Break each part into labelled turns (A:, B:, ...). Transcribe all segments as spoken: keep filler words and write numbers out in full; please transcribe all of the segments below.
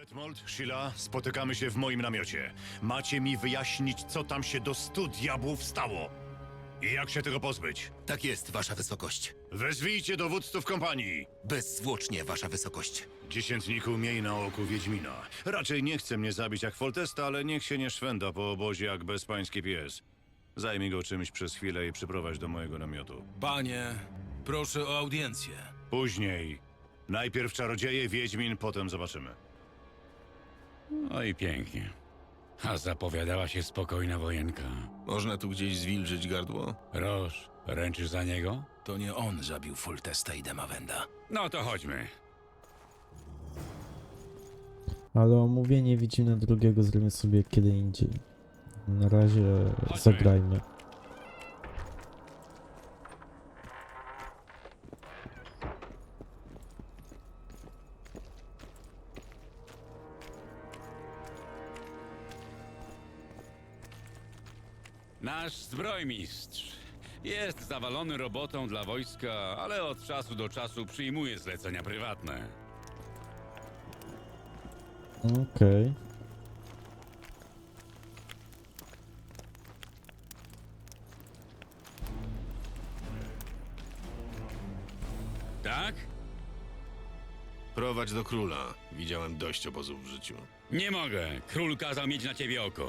A: Detmold, Sheila, spotykamy się w moim namiocie. Macie mi wyjaśnić, co tam się do stu diabłów stało. I jak się tego pozbyć?
B: Tak jest, wasza wysokość.
A: Wezwijcie dowódców kompanii.
B: Bezzwłocznie, wasza wysokość.
A: Dziesiętniku, miej na oku Wiedźmina. Raczej nie chce mnie zabić jak Foltesta, ale niech się nie szwenda po obozie jak bezpański pies. Zajmij go czymś przez chwilę i przyprowadź do mojego namiotu.
C: Panie, proszę o audiencję.
A: Później. Najpierw czarodzieje, Wiedźmin, potem zobaczymy.
D: No i pięknie. A zapowiadała się spokojna wojenka.
E: Można tu gdzieś zwilżyć gardło?
D: Roż, ręczysz za niego?
C: To nie on zabił Foltesta i Demawenda.
D: No to chodźmy.
F: Ale omówienie Wiedźmina drugiego zrobimy sobie kiedy indziej. Na razie
D: Chodźmy.
F: zagrajmy.
D: Nasz zbrojmistrz jest zawalony robotą dla wojska, ale od czasu do czasu przyjmuje zlecenia prywatne.
F: Okej.
D: Tak?
E: Prowadź do króla. Widziałem dość obozów w życiu.
D: Nie mogę. Król kazał mieć na ciebie oko.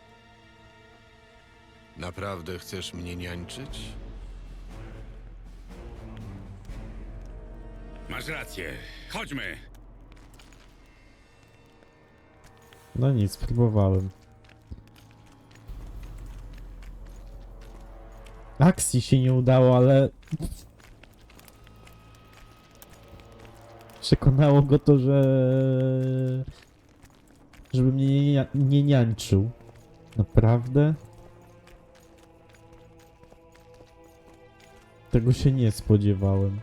E: Naprawdę chcesz mnie niańczyć?
D: Masz rację. Chodźmy.
F: No nic, próbowałem. Akcji się nie udało, ale... Przekonało go to, że... Żeby mnie nie, nia- nie niańczył. Naprawdę? Tego się nie spodziewałem.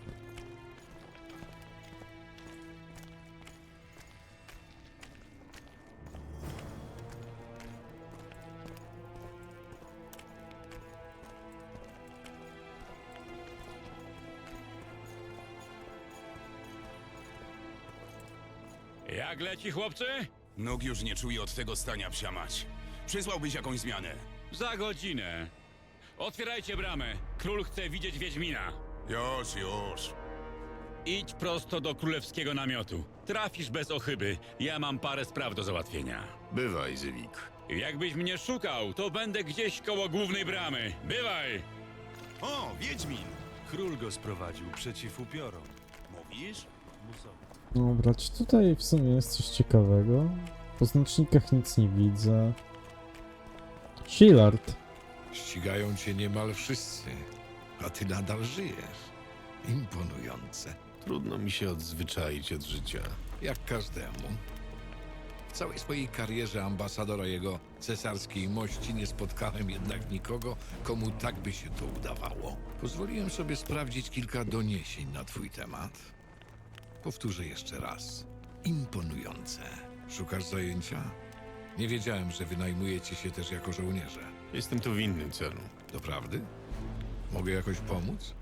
D: Jak leci, chłopcy?
G: Nóg już nie czuje od tego stania, psia mać. Przysłałbyś jakąś zmianę.
D: Za godzinę. Otwierajcie bramę. Król chce widzieć Wiedźmina.
G: Już, już.
D: Idź prosto do królewskiego namiotu. Trafisz bez ochyby. Ja mam parę spraw do załatwienia.
E: Bywaj, Zywik.
D: Jakbyś mnie szukał, to będę gdzieś koło głównej bramy. Bywaj!
G: O, Wiedźmin!
H: Król go sprowadził przeciw upiorom.
G: Mówisz?
F: Dobra, czy tutaj w sumie jest coś ciekawego? Po znacznikach nic nie widzę. Shillard.
I: Ścigają cię niemal wszyscy, a ty nadal żyjesz. Imponujące.
E: Trudno mi się odzwyczaić od życia.
I: Jak każdemu. W całej swojej karierze ambasadora jego cesarskiej mości nie spotkałem jednak nikogo, komu tak by się to udawało. Pozwoliłem sobie sprawdzić kilka doniesień na twój temat. Powtórzę jeszcze raz. Imponujące. Szukasz zajęcia? Nie wiedziałem, że wynajmujecie się też jako żołnierze.
E: Jestem tu w innym celu.
I: Doprawdy? Mogę jakoś pomóc?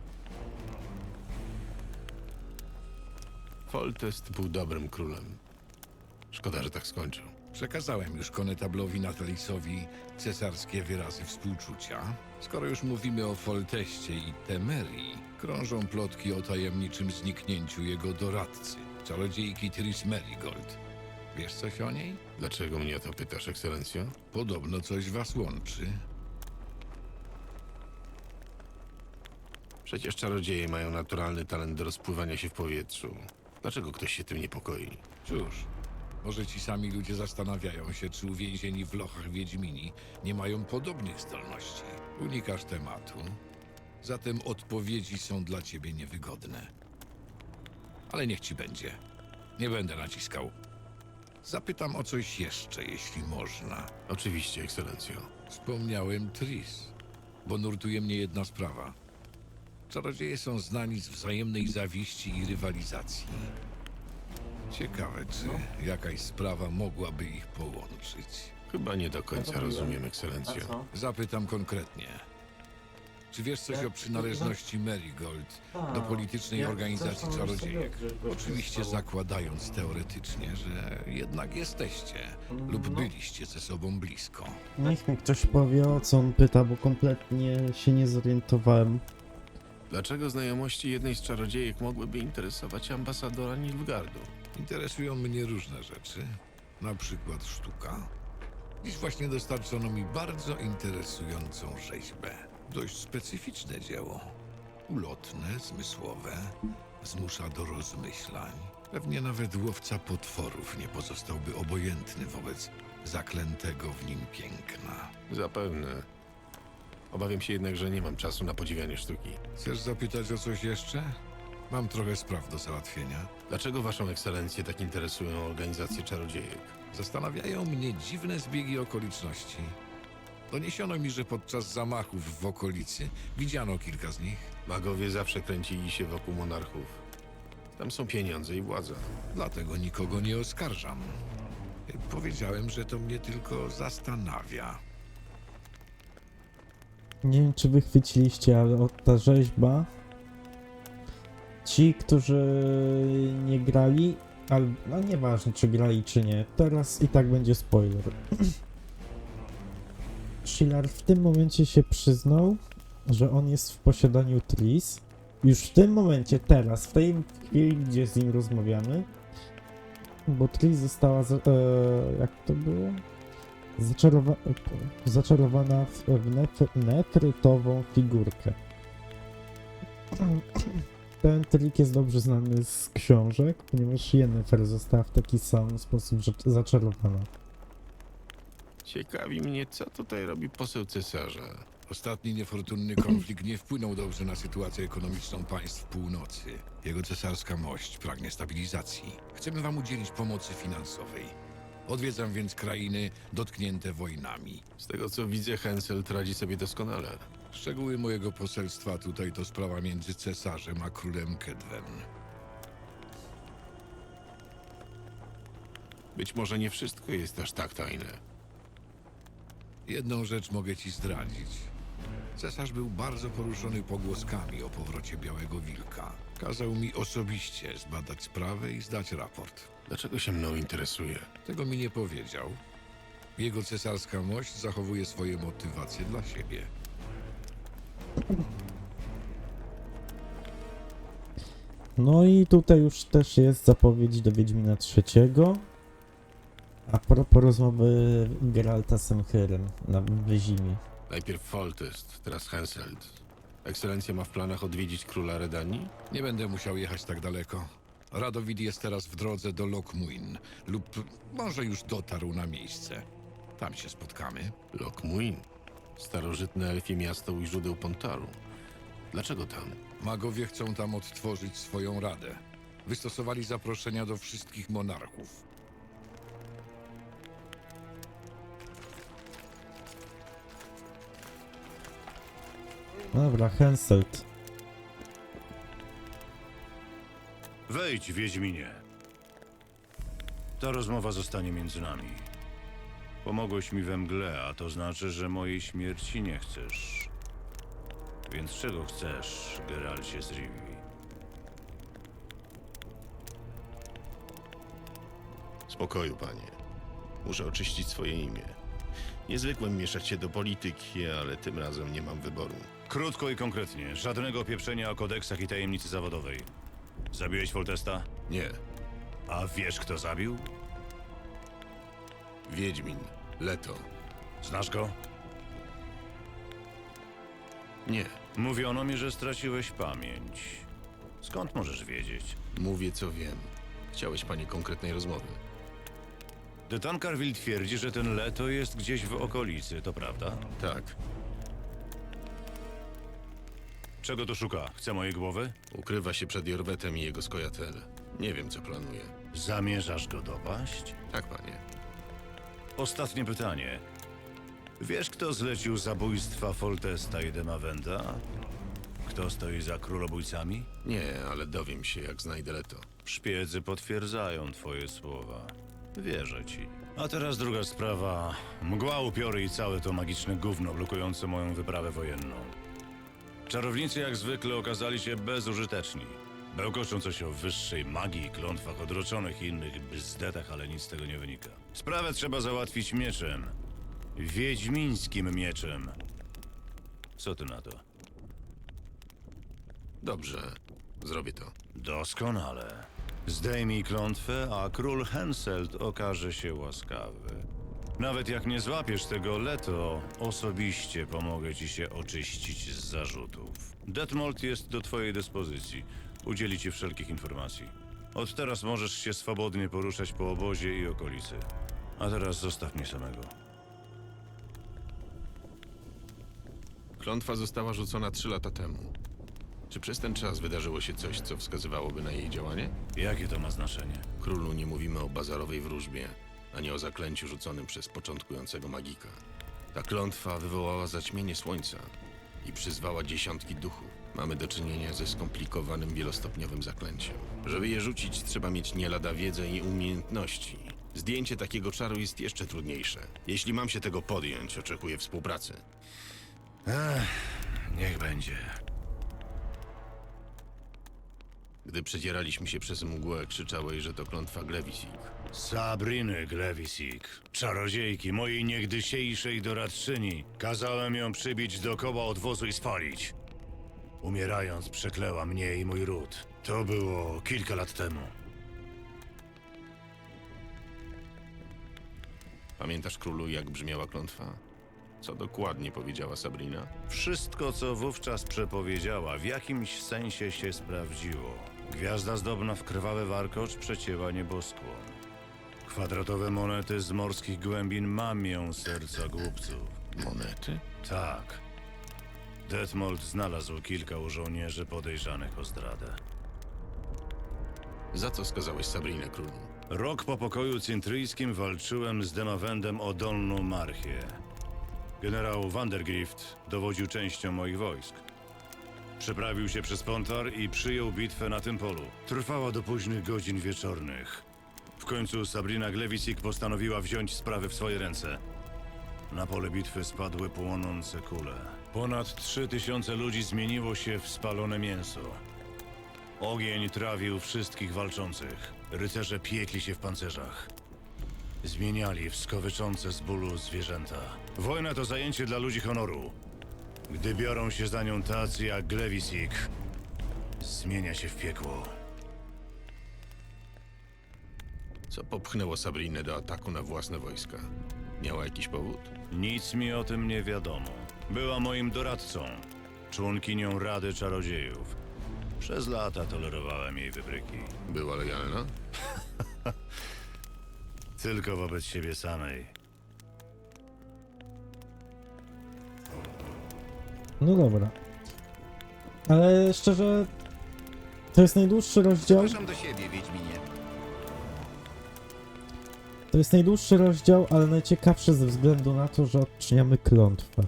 E: Foltest był dobrym królem. Szkoda, że tak skończył.
I: Przekazałem już konetablowi Natalisowi cesarskie wyrazy współczucia. Skoro już mówimy o Folteście i Temerii, krążą plotki o tajemniczym zniknięciu jego doradcy, czarodziejki Tris Merigold. Wiesz coś o niej?
E: Dlaczego mnie o to pytasz, ekscelencjo?
I: Podobno coś was łączy.
E: Przecież czarodzieje mają naturalny talent do rozpływania się w powietrzu. Dlaczego ktoś się tym niepokoi?
I: Cóż, może ci sami ludzie zastanawiają się, czy uwięzieni w lochach Wiedźmini nie mają podobnych zdolności. Unikasz tematu, zatem odpowiedzi są dla ciebie niewygodne. Ale niech ci będzie. Nie będę naciskał. Zapytam o coś jeszcze, jeśli można.
E: Oczywiście, ekscelencjo.
I: Wspomniałem Tris, bo nurtuje mnie jedna sprawa. Czarodzieje są znani z wzajemnej zawiści i rywalizacji. Ciekawe, czy jakaś sprawa mogłaby ich połączyć.
E: Chyba nie do końca rozumiem, ekscelencjo.
I: Zapytam konkretnie. Czy wiesz coś o przynależności Marigold do politycznej
F: jak
I: organizacji
F: zresztą już
I: czarodziejek?
F: sobie dobrze
I: Oczywiście
F: wystało.
I: zakładając teoretycznie, że jednak jesteście lub
F: No.
I: byliście ze sobą blisko.
F: Niech mi ktoś powie, o co on pyta, bo kompletnie się nie zorientowałem.
E: Dlaczego znajomości jednej z czarodziejek mogłyby interesować ambasadora Nilfgaardu?
I: Interesują mnie różne rzeczy, na przykład sztuka. Dziś właśnie dostarczono mi bardzo interesującą rzeźbę. Dość specyficzne dzieło. Ulotne, zmysłowe, zmusza do rozmyślań. Pewnie nawet łowca potworów nie pozostałby obojętny wobec zaklętego w nim piękna.
E: Zapewne. Obawiam się jednak, że nie mam czasu na podziwianie sztuki.
I: Chcesz zapytać o coś jeszcze? Mam trochę spraw do załatwienia.
E: Dlaczego waszą ekscelencję tak interesują organizacje czarodziejek?
I: Zastanawiają mnie dziwne zbiegi okoliczności. Doniesiono mi, że podczas zamachów w okolicy widziano kilka z nich.
E: Magowie zawsze kręcili się wokół monarchów. Tam są pieniądze i władza.
I: Dlatego nikogo nie oskarżam. Powiedziałem, że to mnie tylko zastanawia.
F: Nie wiem, czy wy chwyciliście, ale o, ta rzeźba... Ci, którzy nie grali, ale no nieważne, czy grali, czy nie, teraz i tak będzie spoiler. Shillar w tym momencie się przyznał, że on jest w posiadaniu Tris. Już w tym momencie, teraz, w tej chwili, gdzie z nim rozmawiamy, bo Tris została, za, e, jak to było? Zaczarowa zaczarowana w, w nef nefrytową figurkę. Ten trik jest dobrze znany z książek, ponieważ Yennefer została w taki sam sposób zaczarowana.
E: Ciekawi mnie, co tutaj robi poseł cesarza.
I: Ostatni niefortunny konflikt nie wpłynął dobrze na sytuację ekonomiczną państw północy. Jego cesarska mość pragnie stabilizacji. Chcemy wam udzielić pomocy finansowej. Odwiedzam więc krainy dotknięte wojnami.
E: Z tego co widzę, Henselt radzi sobie doskonale.
I: Szczegóły mojego poselstwa tutaj to sprawa między cesarzem a królem Kedwen.
E: Być może nie wszystko jest aż tak tajne.
I: Jedną rzecz mogę ci zdradzić. Cesarz był bardzo poruszony pogłoskami o powrocie Białego Wilka. Kazał mi osobiście zbadać sprawę i zdać raport.
E: Dlaczego się mną interesuje?
I: Tego mi nie powiedział. Jego cesarska mość zachowuje swoje motywacje dla siebie.
F: No i tutaj już też jest zapowiedź do Wiedźmina trzeciego. A propos rozmowy Geralta z Semhyrem na Wyzimie.
E: Najpierw Foltest, teraz Henselt. Ekscelencja ma w planach odwiedzić króla Redanii?
I: Nie będę musiał jechać tak daleko. Radowid jest teraz w drodze do Lokmuin lub może już dotarł na miejsce. Tam się spotkamy.
E: Lokmuin. Starożytne elfie miasto u źródeł Pontaru. Dlaczego tam?
I: Magowie chcą tam odtworzyć swoją radę. Wystosowali zaproszenia do wszystkich monarchów.
F: Dobra, Henselt.
A: Wejdź, Wiedźminie. Ta rozmowa zostanie między nami. Pomogłeś mi we mgle, a to znaczy, że mojej śmierci nie chcesz. Więc czego chcesz, Geralcie z Rivii?
E: Spokoju, panie. Muszę oczyścić swoje imię. Nie zwykłem mieszać się do polityki, ale tym razem nie mam wyboru.
A: Krótko i konkretnie. Żadnego pieprzenia o kodeksach i tajemnicy zawodowej. Zabiłeś Foltesta?
E: Nie.
A: A wiesz, kto zabił?
E: Wiedźmin. Leto.
A: Znasz go?
E: Nie.
A: Mówiono mi, że straciłeś pamięć. Skąd możesz wiedzieć?
E: Mówię, co wiem. Chciałeś, panie, konkretnej rozmowy.
A: De Tancarville twierdzi, że ten Leto jest gdzieś w okolicy, to prawda?
E: Tak.
A: Czego tu szuka? Chce mojej głowy?
E: Ukrywa się przed Jorwetem i jego skojatel. Nie wiem, co planuje.
A: Zamierzasz go dopaść?
E: Tak, panie.
A: Ostatnie pytanie. Wiesz, kto zlecił zabójstwa Foltesta i Demavenda? Kto stoi za królobójcami?
E: Nie, ale dowiem się, jak znajdę Leto.
A: Szpiedzy potwierdzają twoje słowa. Wierzę ci. A teraz druga sprawa. Mgła, upiory i całe to magiczne gówno blokujące moją wyprawę wojenną. Czarownicy jak zwykle okazali się bezużyteczni. Bełkoczą coś o wyższej magii, klątwach odroczonych i innych bzdetach, ale nic z tego nie wynika. Sprawę trzeba załatwić mieczem. Wiedźmińskim mieczem. Co ty na to?
E: Dobrze, zrobię to.
A: Doskonale. Zdejmij klątwę, a król Henselt okaże się łaskawy. Nawet jak nie złapiesz tego Leto, osobiście pomogę ci się oczyścić z zarzutów. Detmold jest do twojej dyspozycji. Udzieli ci wszelkich informacji. Od teraz możesz się swobodnie poruszać po obozie i okolicy. A teraz zostaw mnie samego.
E: Klątwa została rzucona trzy lata temu. Czy przez ten czas wydarzyło się coś, co wskazywałoby na jej działanie?
A: Jakie to ma znaczenie?
E: Królu nie mówimy o bazarowej wróżbie, ani o zaklęciu rzuconym przez początkującego magika. Ta klątwa wywołała zaćmienie słońca i przyzwała dziesiątki duchów. Mamy do czynienia ze skomplikowanym wielostopniowym zaklęciem. Żeby je rzucić, trzeba mieć nie lada wiedzę i umiejętności. Zdjęcie takiego czaru jest jeszcze trudniejsze. Jeśli mam się tego podjąć, oczekuję współpracy.
A: Ech, niech będzie.
E: Gdy przedzieraliśmy się przez mgłę, krzyczałeś, że to klątwa Glewisik.
A: Sabriny Glewisik, czarodziejki, mojej niegdysiejszej doradczyni. Kazałem ją przybić do koła odwozu i spalić. Umierając, przekleła mnie i mój ród. To było kilka lat temu.
E: Pamiętasz, królu, jak brzmiała klątwa? Co dokładnie powiedziała Sabrina?
A: Wszystko, co wówczas przepowiedziała, w jakimś sensie się sprawdziło. Gwiazda zdobna w krwawy warkocz przecięła nieboskłon. Kwadratowe monety z morskich głębin mamią serca głupców.
E: Monety?
A: Tak. Detmold znalazł kilka u żołnierzy podejrzanych o zdradę.
E: Za co skazałeś Sabrinę, królu?
A: Rok po pokoju cintryjskim walczyłem z Demawendem o Dolną Marchię. Generał Vandergrift dowodził częścią moich wojsk. Przeprawił się przez Pontar i przyjął bitwę na tym polu. Trwała do późnych godzin wieczornych. W końcu Sabrina Glewisik postanowiła wziąć sprawy w swoje ręce. Na pole bitwy spadły płonące kule. Ponad trzy tysiące ludzi zmieniło się w spalone mięso. Ogień trawił wszystkich walczących. Rycerze piekli się w pancerzach. Zmieniali w skowyczące z bólu zwierzęta. Wojna to zajęcie dla ludzi honoru. Gdy biorą się za nią tacy jak Glewisik, zmienia się w piekło.
E: Co popchnęło Sabrinę do ataku na własne wojska? Miała jakiś powód?
A: Nic mi o tym nie wiadomo. Była moim doradcą, członkinią Rady Czarodziejów. Przez lata tolerowałem jej wybryki.
E: Była lojalna?
A: Tylko wobec siebie samej.
F: No dobra. Ale szczerze, to jest najdłuższy rozdział.
B: Zapraszam do siebie, Wiedźminie.
F: To jest najdłuższy rozdział, ale najciekawszy ze względu na to, że odczyniamy klątwę.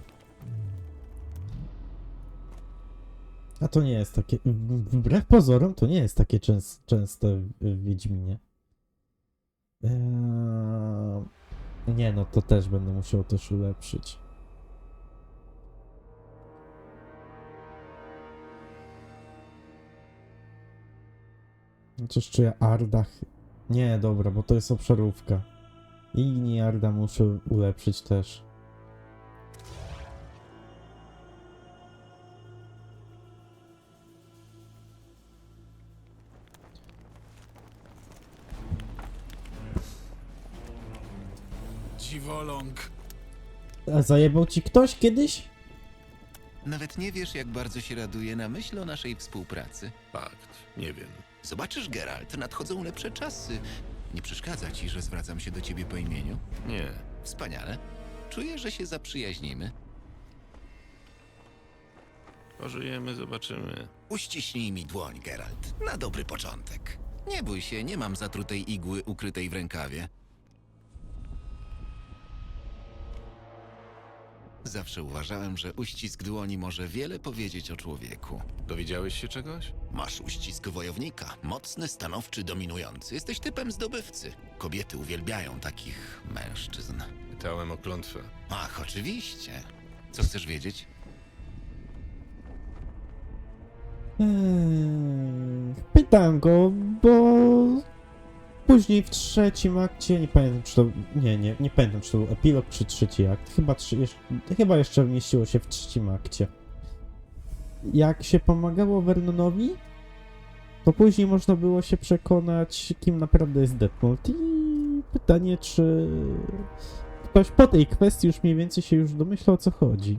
F: A to nie jest takie... Wbrew pozorom to nie jest takie częs częste w Wiedźminie. Eee... Nie no, to też będę musiał też ulepszyć. Chociaż czy ja Ardach... Nie, dobra, bo to jest obszarówka. I Arda muszę ulepszyć też.
I: Dziwoląg.
F: A zajebał ci ktoś kiedyś?
B: Nawet nie wiesz, jak bardzo się raduję na myśl o naszej współpracy.
E: Fakt, nie wiem.
B: Zobaczysz, Geralt, nadchodzą lepsze czasy. Nie przeszkadza ci, że zwracam się do ciebie po imieniu?
E: Nie.
B: Wspaniale. Czuję, że się zaprzyjaźnimy.
E: Pożyjemy, zobaczymy.
B: Uściśnij mi dłoń, Geralt. Na dobry początek. Nie bój się, nie mam zatrutej igły ukrytej w rękawie. Zawsze uważałem, że uścisk dłoni może wiele powiedzieć o człowieku.
E: Dowiedziałeś się czegoś?
B: Masz uścisk wojownika. Mocny, stanowczy, dominujący. Jesteś typem zdobywcy. Kobiety uwielbiają takich mężczyzn.
E: Pytałem o klątwę.
B: Ach, oczywiście. Co chcesz wiedzieć?
F: Eee, pytam go, bo później w trzecim akcie, nie pamiętam czy to, nie, nie, nie pamiętam czy to był epilog czy trzeci akt, chyba, trzy, jeszcze, chyba jeszcze mieściło się w trzecim akcie. Jak się pomagało Vernonowi, to później można było się przekonać, kim naprawdę jest Detmold. I pytanie, czy ktoś po tej kwestii już mniej więcej się już domyśla, o co chodzi.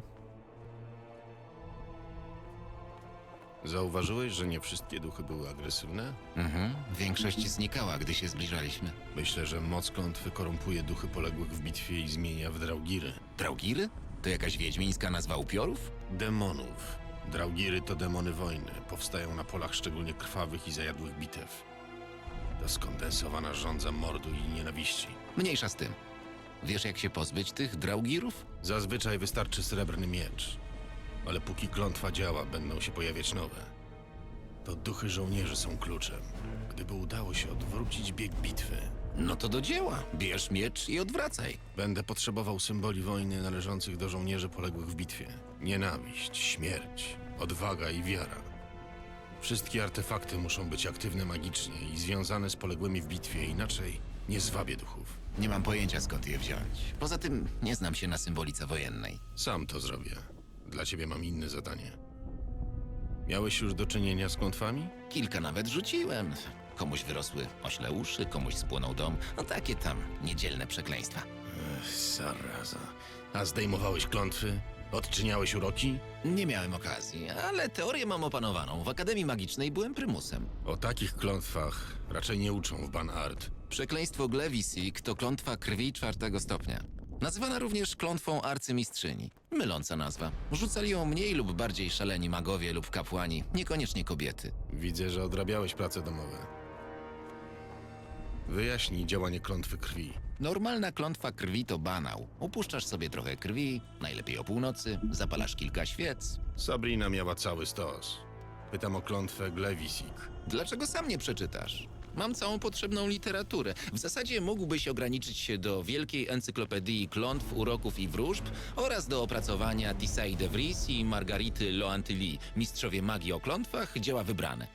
E: Zauważyłeś, że nie wszystkie duchy były agresywne?
B: Mhm, większość znikała, gdy się zbliżaliśmy.
E: Myślę, że moc klątwy korumpuje duchy poległych w bitwie i zmienia w draugiry.
B: Draugiry? To jakaś wiedźmińska nazwa upiorów?
E: Demonów. Draugiry to demony wojny. Powstają na polach szczególnie krwawych i zajadłych bitew. To skondensowana żądza mordu i nienawiści.
B: Mniejsza z tym. Wiesz, jak się pozbyć tych draugirów?
E: Zazwyczaj wystarczy srebrny miecz. Ale póki klątwa działa, będą się pojawiać nowe. To duchy żołnierzy są kluczem. Gdyby udało się odwrócić bieg bitwy,
B: No to do dzieła. Bierz miecz i odwracaj.
E: będę potrzebował symboli wojny należących do żołnierzy poległych w bitwie. Nienawiść, śmierć, odwaga i wiara. Wszystkie artefakty muszą być aktywne magicznie i związane z poległymi w bitwie, inaczej nie zwabię duchów.
B: Nie mam pojęcia, skąd je wziąć. Poza tym nie znam się na symbolice wojennej.
E: Sam to zrobię. Dla ciebie mam inne zadanie. Miałeś już do czynienia z klątwami?
B: Kilka nawet rzuciłem. Komuś wyrosły ośle uszy, komuś spłonął dom. No takie tam niedzielne przekleństwa.
E: Ech, zaraza. A zdejmowałeś klątwy? Odczyniałeś uroki?
B: Nie miałem okazji, ale teorię mam opanowaną. W Akademii Magicznej byłem prymusem.
E: O takich klątwach raczej nie uczą w Banart.
B: Przekleństwo Glewisik to klątwa krwi czwartego stopnia. Nazywana również klątwą arcymistrzyni. Myląca nazwa. Rzucali ją mniej lub bardziej szaleni magowie lub kapłani, niekoniecznie kobiety.
E: Widzę, że odrabiałeś prace domowe. Wyjaśnij działanie klątwy krwi.
B: Normalna klątwa krwi to banał. Upuszczasz sobie trochę krwi, najlepiej o północy, zapalasz kilka świec.
E: Sabrina miała cały stos. Pytam o klątwę Glewisik.
B: Dlaczego sam nie przeczytasz? Mam całą potrzebną literaturę. W zasadzie mógłbyś ograniczyć się do wielkiej encyklopedii klątw, uroków i wróżb oraz do opracowania Tissaï de Vries i Margarity Loantilly, mistrzowie magii o klątwach, dzieła wybrane.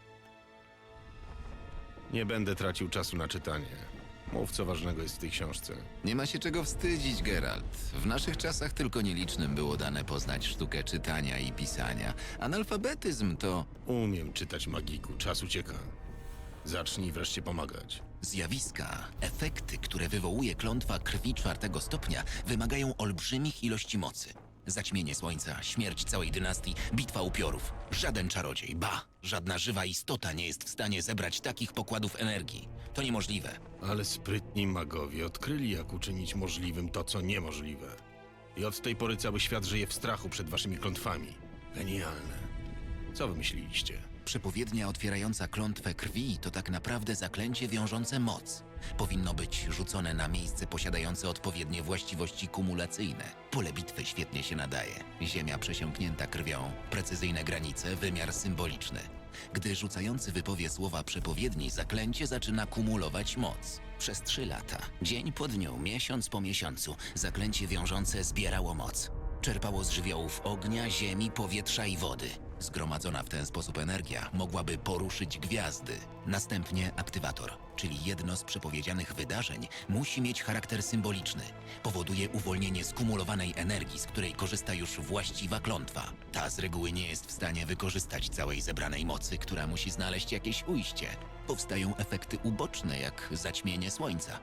E: Nie będę tracił czasu na czytanie. Mów, co ważnego jest w tej książce.
B: Nie ma się czego wstydzić, Geralt. W naszych czasach tylko nielicznym było dane poznać sztukę czytania i pisania. Analfabetyzm to
E: Umiem czytać magiku, czas ucieka. Zacznij wreszcie pomagać.
B: zjawiska, efekty, które wywołuje klątwa krwi czwartego stopnia, wymagają olbrzymich ilości mocy. Zaćmienie słońca, śmierć całej dynastii, bitwa upiorów. Żaden czarodziej, ba, żadna żywa istota nie jest w stanie zebrać takich pokładów energii. To niemożliwe.
E: Ale sprytni magowie odkryli, jak uczynić możliwym to, co niemożliwe. I od tej pory cały świat żyje w strachu przed waszymi klątwami. Genialne. Co wymyśliliście?
B: Przepowiednia otwierająca klątwę krwi to tak naprawdę zaklęcie wiążące moc. Powinno być rzucone na miejsce posiadające odpowiednie właściwości kumulacyjne. Pole bitwy świetnie się nadaje. Ziemia przesiąknięta krwią, precyzyjne granice, wymiar symboliczny. Gdy rzucający wypowie słowa przepowiedni, zaklęcie zaczyna kumulować moc. Przez trzy lata, dzień po dniu, miesiąc po miesiącu, zaklęcie wiążące zbierało moc. Czerpało z żywiołów ognia, ziemi, powietrza i wody. Zgromadzona w ten sposób energia mogłaby poruszyć gwiazdy. Następnie aktywator, czyli jedno z przepowiedzianych wydarzeń, musi mieć charakter symboliczny. Powoduje uwolnienie skumulowanej energii, z której korzysta już właściwa klątwa. Ta z reguły nie jest w stanie wykorzystać całej zebranej mocy, która musi znaleźć jakieś ujście. Powstają efekty uboczne, jak zaćmienie słońca.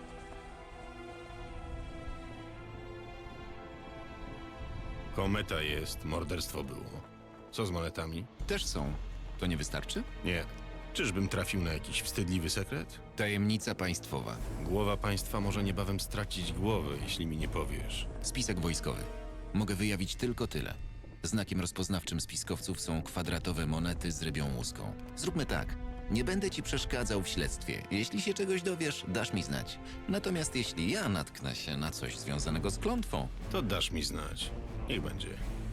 E: Kometa jest, morderstwo było. Co z monetami?
B: Też są. To nie wystarczy?
E: Nie. Czyżbym trafił na jakiś wstydliwy sekret?
B: Tajemnica państwowa.
E: Głowa państwa może niebawem stracić głowę, jeśli mi nie powiesz.
B: Spisek wojskowy. Mogę wyjawić tylko tyle. Znakiem rozpoznawczym spiskowców są kwadratowe monety z rybią łuską. Zróbmy tak. Nie będę ci przeszkadzał w śledztwie. Jeśli się czegoś dowiesz, dasz mi znać. Natomiast jeśli ja natknę się na coś związanego z klątwą,
E: To dasz mi znać. Niech będzie.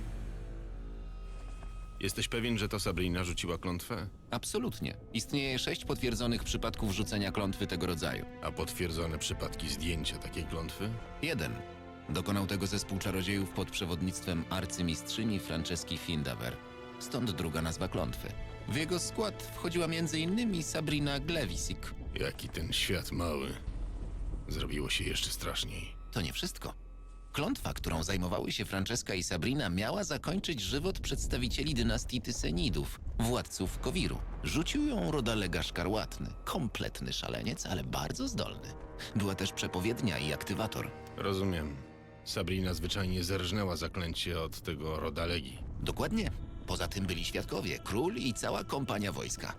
E: Jesteś pewien, że to Sabrina rzuciła klątwę?
B: absolutnie. Istnieje sześć potwierdzonych przypadków rzucenia klątwy tego rodzaju.
E: A potwierdzone przypadki zdjęcia takiej klątwy?
B: Jeden. Dokonał tego zespół czarodziejów pod przewodnictwem arcymistrzyni Franceski Findaver. stąd druga nazwa klątwy. W jego skład wchodziła między innymi Sabrina Glewisik.
E: Jaki ten świat mały. Zrobiło się jeszcze straszniej.
B: To nie wszystko. Klątwa, którą zajmowały się Franceska i Sabrina, miała zakończyć żywot przedstawicieli dynastii Tysenidów, władców Kowiru. Rzucił ją Rodalega Szkarłatny, kompletny szaleniec, ale bardzo zdolny. Była też przepowiednia i aktywator.
E: Rozumiem. Sabrina zwyczajnie zerżnęła zaklęcie od tego Rodalegi.
B: Dokładnie. Poza tym byli świadkowie, król i cała kompania wojska.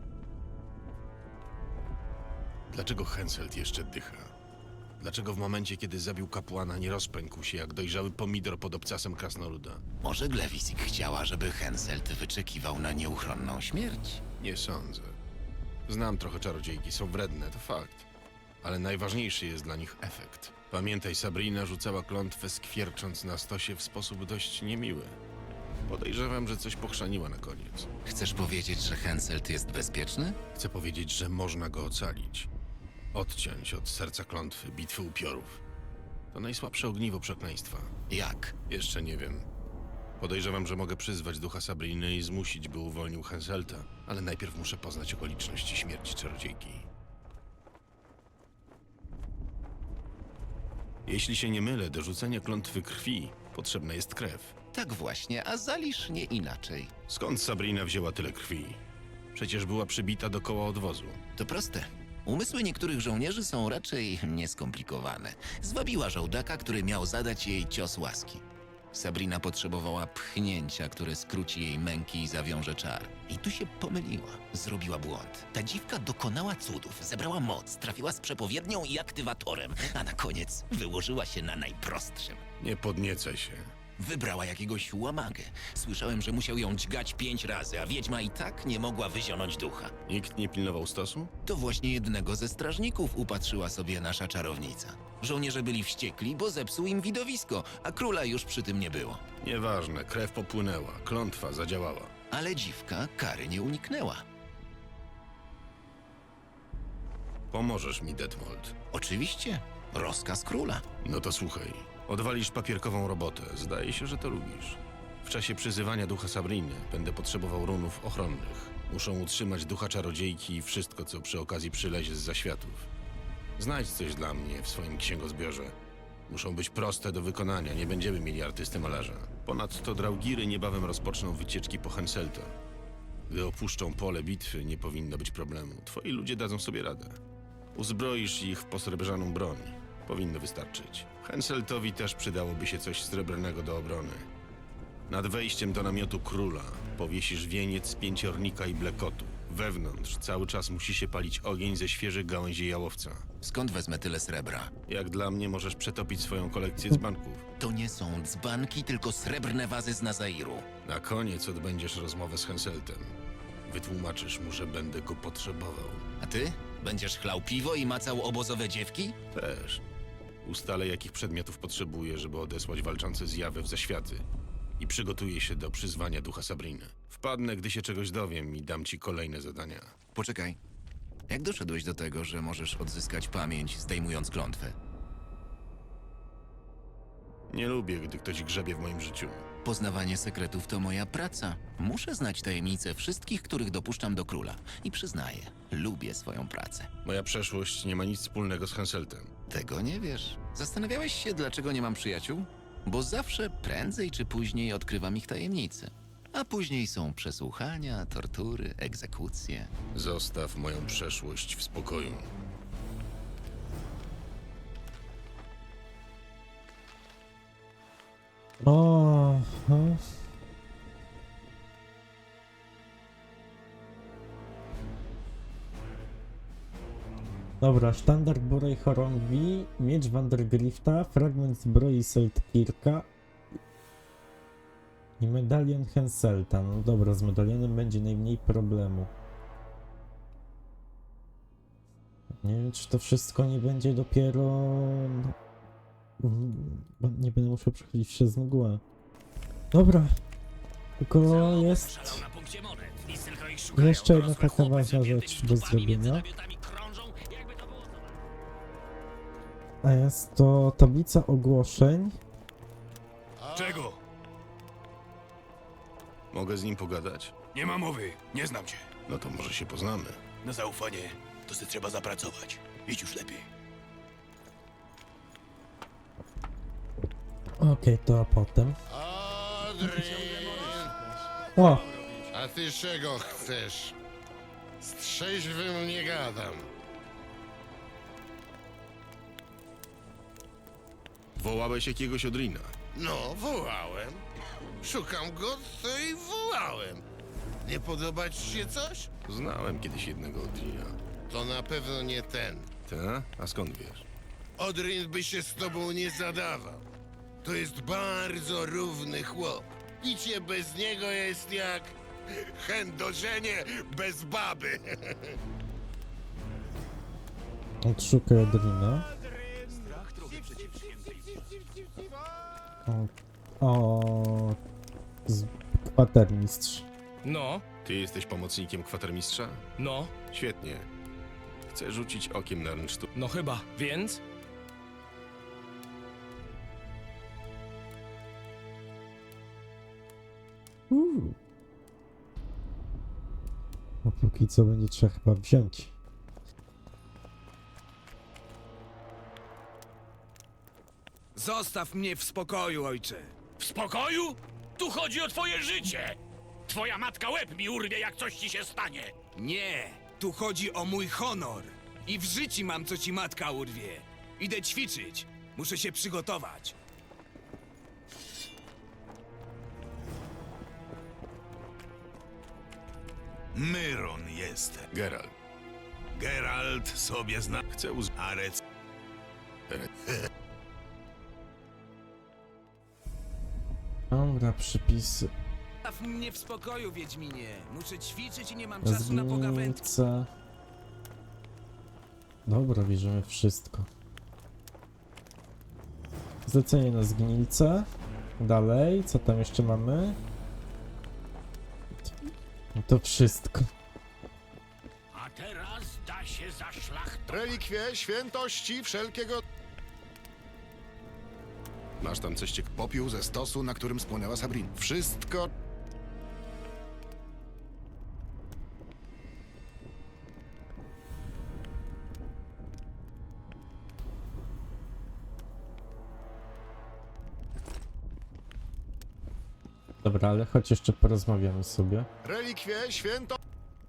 E: Dlaczego Henselt jeszcze dycha? Dlaczego w momencie, kiedy zabił kapłana, nie rozpękł się jak dojrzały pomidor pod obcasem krasnoluda?
B: Może Glewisik chciała, żeby Henselt wyczekiwał na nieuchronną śmierć?
E: Nie sądzę. Znam trochę czarodziejki, są wredne, to fakt. Ale najważniejszy jest dla nich efekt. Pamiętaj, Sabrina rzucała klątwę, skwiercząc na stosie w sposób dość niemiły. Podejrzewam, że coś pochrzaniła na koniec.
B: Chcesz powiedzieć, że Henselt jest bezpieczny?
E: Chcę powiedzieć, że można go ocalić. Odciąć od serca klątwy, bitwy upiorów. To najsłabsze ogniwo przekleństwa.
B: Jak?
E: Jeszcze nie wiem. Podejrzewam, że mogę przyzwać ducha Sabriny i zmusić, by uwolnił Henselta, ale najpierw muszę poznać okoliczności śmierci czarodziejki. Jeśli się nie mylę, do rzucenia klątwy krwi potrzebna jest krew.
B: Tak właśnie, a Zalisz nie inaczej.
E: Skąd Sabrina wzięła tyle krwi? Przecież była przybita do koła odwozu.
B: To proste. Umysły niektórych żołnierzy są raczej nieskomplikowane. Zwabiła żołdaka, który miał zadać jej cios łaski. Sabrina potrzebowała pchnięcia, które skróci jej męki i zawiąże czar. I tu się pomyliła. Zrobiła błąd. Ta dziwka dokonała cudów, zebrała moc, trafiła z przepowiednią i aktywatorem, a na koniec wyłożyła się na najprostszym.
E: Nie podniecaj się.
B: Wybrała jakiegoś łamagę. Słyszałem, że musiał ją dźgać pięć razy, a wiedźma i tak nie mogła wyzionąć ducha.
E: Nikt nie pilnował stosu?
B: To właśnie jednego ze strażników upatrzyła sobie nasza czarownica. Żołnierze byli wściekli, bo zepsuł im widowisko, a króla już przy tym nie było.
E: Nieważne, krew popłynęła, klątwa zadziałała.
B: Ale dziwka kary nie uniknęła.
E: Pomożesz mi, Detmold.
B: Oczywiście, rozkaz króla.
E: No to słuchaj. Odwalisz papierkową robotę. Zdaje się, że to lubisz. W czasie przyzywania ducha Sabriny będę potrzebował runów ochronnych. Muszą utrzymać ducha czarodziejki i wszystko, co przy okazji przylezie z zaświatów. Znajdź coś dla mnie w swoim księgozbiorze. Muszą być proste do wykonania, nie będziemy mieli artysty malarza. Ponadto Draugiry niebawem rozpoczną wycieczki po Henselta. Gdy opuszczą pole bitwy, nie powinno być problemu. Twoi ludzie dadzą sobie radę. Uzbroisz ich w posrebrzaną broń. Powinno wystarczyć. Henseltowi też przydałoby się coś srebrnego do obrony. Nad wejściem do namiotu króla powiesisz wieniec z pięciornika i blekotu. Wewnątrz cały czas musi się palić ogień ze świeżych gałęzi jałowca.
B: Skąd wezmę tyle srebra?
E: Jak dla mnie możesz przetopić swoją kolekcję dzbanków.
B: To nie są dzbanki, tylko srebrne wazy z Nazairu.
E: Na koniec odbędziesz rozmowę z Henseltem. Wytłumaczysz mu, że będę go potrzebował.
B: A ty? Będziesz chlał piwo i macał obozowe dziewki?
E: Też. Ustalę, jakich przedmiotów potrzebuję, żeby odesłać walczące zjawy w zaświaty. I przygotuję się do przyzwania ducha Sabriny. Wpadnę, gdy się czegoś dowiem i dam ci kolejne zadania.
B: Poczekaj. Jak doszedłeś do tego, że możesz odzyskać pamięć, zdejmując klątwę?
E: Nie lubię, gdy ktoś grzebie w moim życiu.
B: Poznawanie sekretów to moja praca. Muszę znać tajemnice wszystkich, których dopuszczam do króla. I przyznaję, lubię swoją pracę.
E: Moja przeszłość nie ma nic wspólnego z Henseltem.
B: Tego nie wiesz. Zastanawiałeś się, dlaczego nie mam przyjaciół? Bo zawsze prędzej czy później odkrywam ich tajemnice. A później są przesłuchania, tortury, egzekucje.
E: Zostaw moją przeszłość w spokoju.
F: O, no. Dobra, sztandar Borej Chorągwi, miecz Vandergrifta, fragment zbroi Seltkirka i medalion Henselta. No dobra, z medalionem będzie najmniej problemu. Nie wiem, czy to wszystko nie będzie dopiero... Bo nie będę musiał przechodzić przez mgłę. Dobra. Tylko jest... Jeszcze jedna taka ważna rzecz do zrobienia. A jest to tablica ogłoszeń.
G: Czego?
E: Mogę z nim pogadać?
G: Nie ma mowy, nie znam cię.
E: No to może się poznamy.
G: Na zaufanie to se trzeba zapracować. Idź już lepiej.
F: Okej, to a potem.
J: Adrian!
F: O!
J: A ty czego chcesz? Z trzeźwym nie gadam.
E: Wołałeś jakiegoś Odrina.
J: No, wołałem. Szukam go, to i wołałem. Nie podoba ci się coś?
E: Znałem kiedyś jednego Odrina.
J: To na pewno nie ten.
E: Ta? A skąd wiesz?
J: Odrin by się z tobą nie zadawał. To jest bardzo równy chłop. Picie bez niego jest jak chędożenie bez baby.
F: Odszukaj Odrina. O, o z kwatermistrz.
C: No,
E: Ty jesteś pomocnikiem kwatermistrza?
C: no,
E: Świetnie. Chcę rzucić okiem na rynsztu.
C: no chyba. Więc?
F: Uuu. A póki co będzie trzeba chyba wziąć.
G: Zostaw mnie w spokoju, ojcze.
D: W spokoju? Tu chodzi o twoje życie! Twoja matka łeb mi urwie, jak coś ci się stanie!
G: Nie, tu chodzi o mój honor. I w życiu mam, co ci matka urwie. Idę ćwiczyć. Muszę się przygotować.
H: Myron jest.
E: Geralt.
H: Geralt sobie zna.
E: Chcę uz...
H: Arec.
F: Dobra, przypisy.
G: Zostaw mnie w spokoju, Wiedźminie. Muszę ćwiczyć i nie mam czasu na pogawędki.
F: Zgniłce. Dobra, bierzemy wszystko. Zlecenie na zgnilce. Dalej, co tam jeszcze mamy? No to wszystko.
D: A teraz da się za szlachtą.
J: Relikwie świętości wszelkiego...
E: Masz tam coś ciekawego?
J: Popiół ze stosu, na którym spłonęła Sabrin. Wszystko...
F: Dobra, ale choć jeszcze porozmawiamy sobie.
J: Relikwie święto...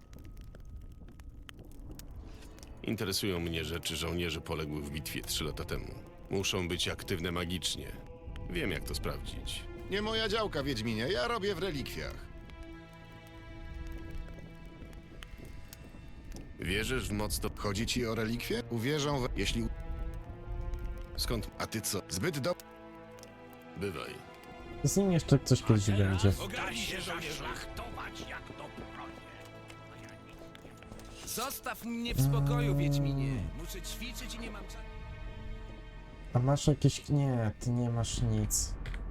E: Interesują mnie rzeczy żołnierzy poległych w bitwie trzy lata temu. Muszą być aktywne magicznie. Wiem, jak to sprawdzić.
J: Nie moja działka, Wiedźminie. Ja robię w relikwiach.
E: Wierzysz w moc to...
J: Chodzi ci o relikwie? Uwierzą w... Jeśli...
E: Skąd?
J: A ty co? Zbyt do...
E: Bywaj.
F: Z nim jeszcze coś kiedyś będzie.
D: Da się zaszlachtować, jak to prądzie.
G: Zostaw mnie w spokoju, Wiedźminie. Muszę ćwiczyć i nie mam czasu.
F: A masz jakieś... Nie, ty nie masz nic.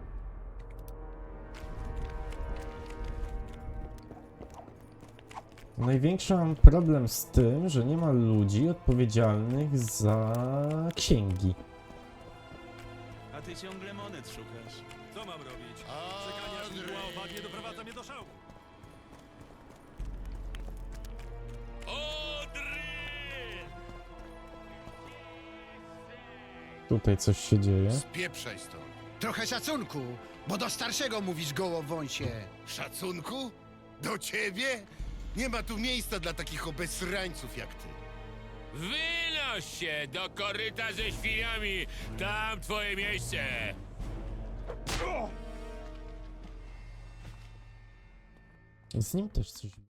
F: Największy mam problem z tym, że nie ma ludzi odpowiedzialnych za księgi.
H: A ty ciągle monet szukasz. Co mam robić? Czekanie aż mgła opadnie doprowadza mnie do szału.
F: Tutaj coś się dzieje.
J: Spieprzaj stąd.
K: Trochę szacunku, bo do starszego mówisz gołowąsie.
J: Szacunku? Do ciebie? Nie ma tu miejsca dla takich obesrańców jak ty.
D: Wynoś się do koryta ze świniami! Tam twoje miejsce!
F: Z nim też coś